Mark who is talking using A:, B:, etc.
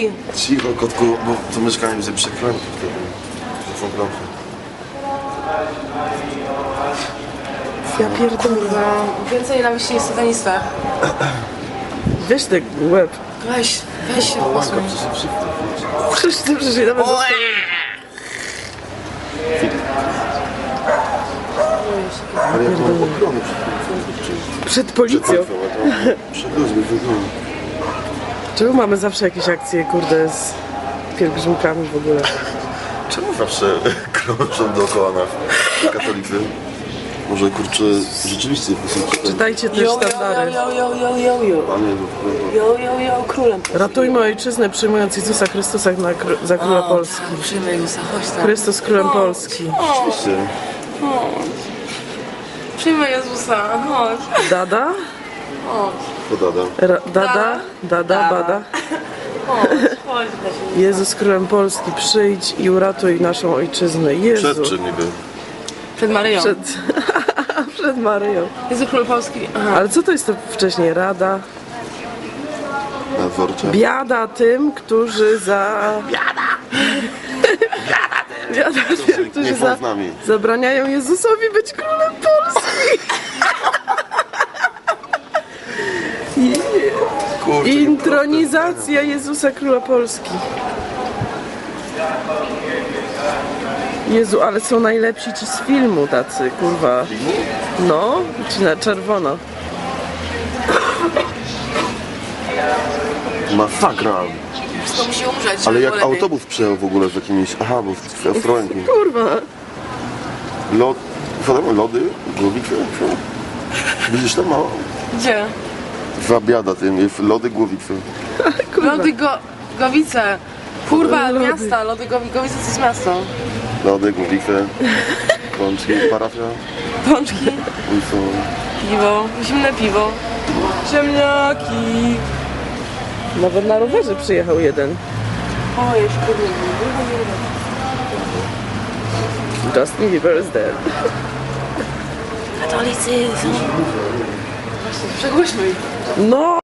A: Polski!
B: Cicho, kotku, bo to mieszkanie będzie przeklęte wtedy. Fotografy.
A: Ja pierdolę. Więcej nienawiści niż satanista.
C: Weź ten łeb.
A: Weź się
B: Łanka,
A: posuń.
B: przecież
C: Przecież nawet
B: ale jak mam ochrony
C: przed policją.
B: przed ludźmi, wygląda.
C: Czemu mamy zawsze jakieś akcje, kurde, z pielgrzymkami w ogóle?
B: Czemu zawsze krążą dookoła nas katolicy? Może kurczę, rzeczywiście
C: Czytajcie też sztandary.
A: Jo, królem.
C: Ratujmy ojczyznę, przyjmując Jezusa Chrystusa za Króla Polski.
A: Przyjmę Jezusa, chodź tam.
C: Chrystus Królem Polski.
B: Oczywiście.
A: Przyjmę Jezusa, chodź.
C: Dada?
B: Podada.
C: Dada, bada.
A: Chodź.
C: Jezus Królem Polski, przyjdź i uratuj naszą ojczyznę. Jezu.
B: Przed czym niby?
A: Przed Maryją.
C: Przed Maryją.
A: Jezu Król Polski. Aha.
C: Ale co to jest to wcześniej? Rada?
B: Na dworcze?
C: Biada tym, którzy za... Biada tym, którzy
B: Nie są z nami.
C: zabraniają Jezusowi być Królem Polski.
B: Kurczę,
C: Intronizacja Jezusa Króla Polski. Jezu, ale są najlepsi ci z filmu tacy, kurwa. No, ci na czerwono.
B: Masakra.
A: Wszystko musi umrzeć.
B: Ale
A: żeby
B: jak
A: było lepiej.
B: autobus przejechał w ogóle z jakimiś... Aha, bo w Ostrołęki.
C: Kurwa.
B: Lody? Głowice? Widzisz tam mało?
A: Gdzie?
B: Zabiada tym, jest lody głowice.
C: Kurwa.
A: Lody Gowice. Kurwa,
C: Lody.
A: miasta. Lody Gowice to jest miasto.
B: Lody, głowice, pączki, parafia.
A: Pączki,
B: I są...
A: piwo, zimne piwo. Ziemniaki.
C: Nawet na rowerze przyjechał jeden.
A: O, jeszcze
C: Justin Bieber is dead.
A: katolicyzm. Przegłośno ich.
C: No!